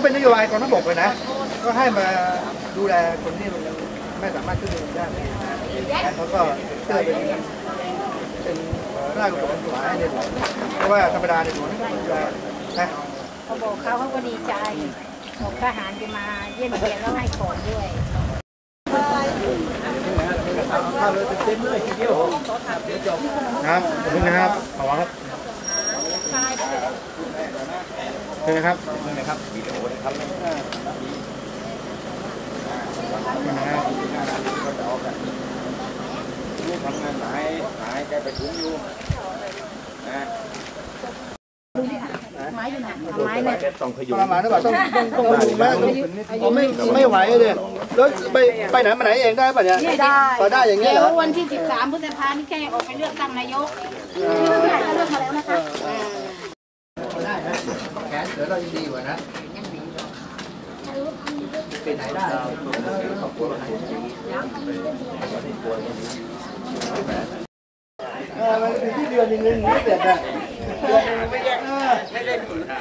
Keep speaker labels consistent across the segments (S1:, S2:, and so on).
S1: เป็นนโยบายกองทัพบกเลยนะก็ให้มาดูแลคนที่ไม่สามารถขึ้นเรือได้เขาก็เพื่อเป็นร่างกฎหมายในหลวงเพราะว่าธรรมดาในหลวงก็จะนะ
S2: เขาบอกเขาก็ดีใจบอกทหารจะมาเยี่ยมเยียนแล้วให้ของด้วย
S1: ข้าวเลยเต็มเลยทีเดียวนะครับขอบคุณนะครับขอบคุณครับเชิญนะครับนะครับวิดีโอนะครับทำงานหายแกไปถุงอยู่นะไม้อยู่ไหนไม้เนี่ยต้องขยุมมาหรือเปล่าต้องดูแม่ไม่ไหวเลยแล้วไปไหนมาไหนเองได้ป่ะเนี่ย
S2: ไม่ได้
S1: ก็ได้อย่างเงี้ยเหรอ
S2: วันที่13 พฤษภาคมนี่แค่ออกไปเลือกตั้งนายกที่เพิ่งได้เลือกมาแล้วนะคะ
S1: ได้นะแขนเดี๋ยวเราดีกว่านะไปไหนได้ขอบคุณมันเป็นที่เดือนนึงไม่เสร็จอ่ะไม่ได้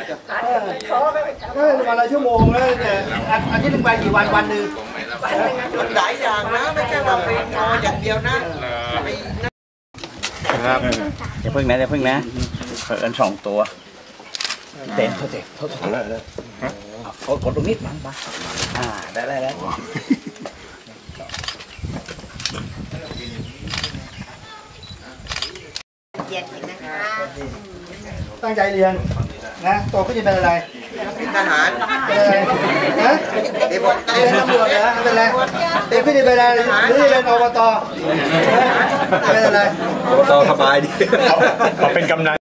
S1: วันละชั่วโมงแล้วเนี่ยอาทิตย์นึงไปกี่วันหนึ่ง
S3: มันหลายอย่างนะไม่ใช่ว่าเป็นนออย่างเดียวนะครับ
S4: อย่าพึ่งนะเอิญ2 ตัวเต็มเขากดตรงนี้มั้งปะได้
S2: เย็นนะคะ
S1: ตั้งใจเรียนนะโตก็จะเป็นอะไร
S3: เป็นทหาร
S1: เป็นอะไรนะเป็นตำรวจนะเป็นอะไรเป็นพี่เป็นอะไรหรือเป็นอบตเป็นอะไร
S4: อบตสบายดีเขาเป็นกำนัน